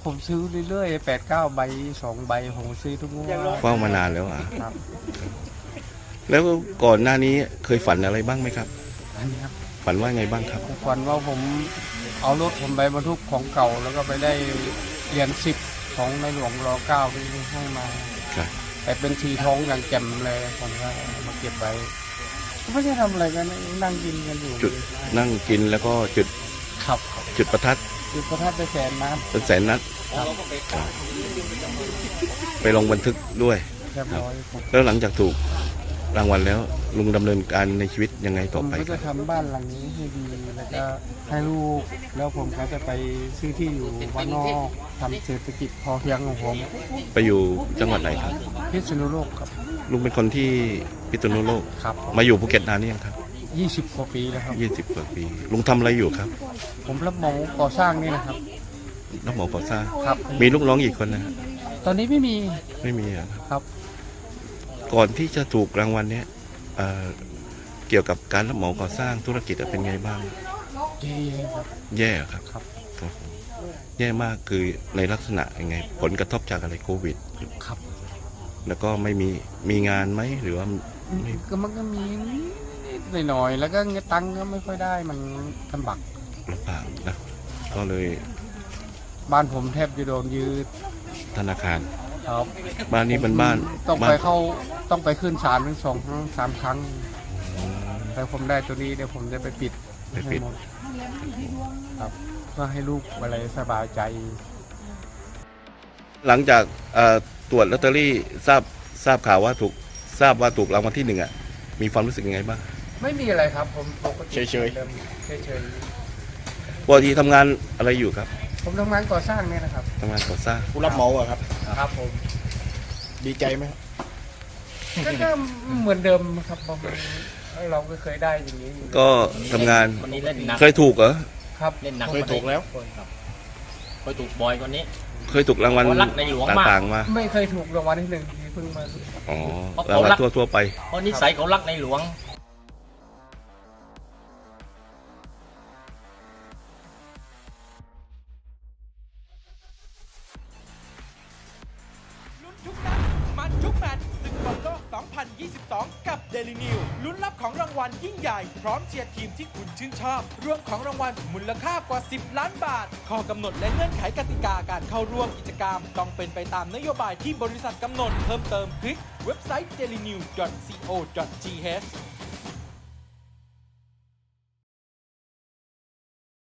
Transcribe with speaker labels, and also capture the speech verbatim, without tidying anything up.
Speaker 1: ผมซื้อเรื่อยๆแปดเก้าใบสองใบผมซื้อทุกงวด
Speaker 2: เฝ้ามานานแล้วอ่ะ
Speaker 1: ครับ
Speaker 2: แล้วก่อนหน้านี้เคยฝันอะไรบ้างไหมครับ
Speaker 1: อันนี้ครับ
Speaker 2: ฝันว่าไงบ้างครับ
Speaker 1: ผมฝันว่าผมเอารถผมไปบรรทุกของเก่า แล้วก็ไปได้เหรียญสิบของในหลวงรอเก้าที่ให้มา
Speaker 2: ครับ
Speaker 1: แต่เป็นสีทองอย่างแจ่มเลยผมก็เอามาเก็บไว้ไม่ได้ทำอะไรกันนั่งกินกันอยู่
Speaker 2: จุดนั่งกินแล้วก็จุด
Speaker 1: ขับ
Speaker 2: จุดประทัด
Speaker 1: จุดประทัดไปแสนนัด
Speaker 2: เป็นแสนนัด
Speaker 1: ครับ
Speaker 2: ไปลงบันทึกด้วย
Speaker 1: เรียบร้อยผม
Speaker 2: แล้วหลังจากถูกรางวัลแล้วลุงดำเนินการในชีวิตยังไง
Speaker 1: ผ
Speaker 2: ต่อ
Speaker 1: ม
Speaker 2: ไป
Speaker 1: ก็
Speaker 2: ครั
Speaker 1: จะ
Speaker 2: บ
Speaker 1: ทำบ้านหลังนี้ให้ดีแล้วก็ให้ลูกแล้วผมก็จะไปซื้อที่อยู่บ้านนอกทำเศรษฐกิจพอเพียงของผม
Speaker 2: ไปอยู่จังหวัดไหนครับ
Speaker 1: พิษณุโลกครับ
Speaker 2: ลุงเป็นคนที่พิษณุโลก
Speaker 1: ครับ
Speaker 2: มาอยู่ภูเก็ตนานหรือยังครับ
Speaker 1: ยี่สิบกว่าปีแล้วครับ
Speaker 2: ยี่สิบกว่าปีลุงทำอะไรอยู่ครับ
Speaker 1: ผมรับเหมาก่อสร้างนี่นะครับ
Speaker 2: รับเหมาก่อสร้าง
Speaker 1: ครับ
Speaker 2: มีลูกน้องกี่คนนะฮะ
Speaker 1: ตอนนี้ไม่มี
Speaker 2: ไม่มีอะครับ
Speaker 1: ครับ
Speaker 2: ก่อนที่จะถูกรางวัลเนี้ยเอ่อเกี่ยวกับการรับเหมาก่อสร้างธุรกิจเป็นไงบ้าง
Speaker 1: เย้ครับ
Speaker 2: แย่ครับ
Speaker 1: ครับ
Speaker 2: ครับผมแย่มากคือในลักษณะยังไง ผลกระทบจากอะไรโควิด
Speaker 1: ครับ
Speaker 2: แล้วก็ไม่มีมีงานไหมหรือว่าไม่
Speaker 1: ก็มันก็มีนิดๆหน่อยๆแล้วก็เงินตังค์ก็ไม่ค่อยได้มันลำบาก
Speaker 2: ลำบากนะก็เลย
Speaker 1: บ้านผมแทบจะโดนยืด
Speaker 2: ธนาคาร
Speaker 1: ครับ
Speaker 2: บ้านนี้เป็นบ้าน
Speaker 1: ต้อง
Speaker 2: บ้า
Speaker 1: ไป
Speaker 2: น
Speaker 1: เข้าต้องไปขึ้นศาลถึงสองครั้งสามครั้งแต่ผมได้ตัวนี้เดี๋ยวผมจะไปปิด
Speaker 2: ไปปิด
Speaker 1: ให้หมครับเพื่อให้ลูกอะไรสบายใจ
Speaker 2: หลังจากเอ่อตรวจลอตเตอรี่ทราบทราบข่าวว่าถูกทราบว่าถูกรางวัลที่หนึ่งอ่ะมีความรู้สึกยังไงบ้าง
Speaker 1: ไม่มีอะไรครับผมปกติ
Speaker 2: เฉยๆ
Speaker 1: เดิมเฉย
Speaker 2: ปกติทำงานอะไรอยู่ครับ
Speaker 1: ๆผมทำงานก่อสร้างเนี่ยนะครับ
Speaker 2: ทำงานก่อสร้าง
Speaker 3: ผู้รับเหมาอะครับ
Speaker 1: ครับผม
Speaker 3: ดีใจไหม
Speaker 1: ก็ก็เหมือนเดิมครับผมเราก็เคยได้อย่างนี้อยู่
Speaker 2: ก็ทำงาน
Speaker 4: คนนี้เล่นหนัก
Speaker 2: เคยถูกเหรอ
Speaker 1: ครับ
Speaker 4: เล่นหนัก
Speaker 3: เคยถูกแล้ว
Speaker 4: ครับเคยถูกบ่อยกว่านี้
Speaker 2: เคยถูกรางวัล
Speaker 4: เขารักในหลวงมาก
Speaker 2: ต่างๆมา
Speaker 1: ไม่เคยถูกรางวัลที่หนึ่งที่เพิ่งมา
Speaker 2: อ๋อ
Speaker 4: เพราะ
Speaker 2: รางวัล
Speaker 4: เขารัก
Speaker 2: ทั่วๆไป
Speaker 4: เพราะนิสัยเขารักในหลวง
Speaker 5: ลุ้นทุกนัดมันทุกแมตช์ศึกบอลโลก สองพันยี่สิบสอง กับ Daily New ลุ้นรับของรางวัลยิ่งใหญ่ พร้อมเชียร์ทีมที่คุณชื่นชอบ รวมของรางวัลมูลค่ากว่า สิบ ล้านบาท ข้อกำหนดและเงื่อนไขกติกาการเข้าร่วมกิจกรรม ต้องเป็นไปตามนโยบายที่บริษัทกำหนด เพิ่มเติมคลิกเว็บไซต์ เดลินิว ดอท ซี โอ ดอท ที เอช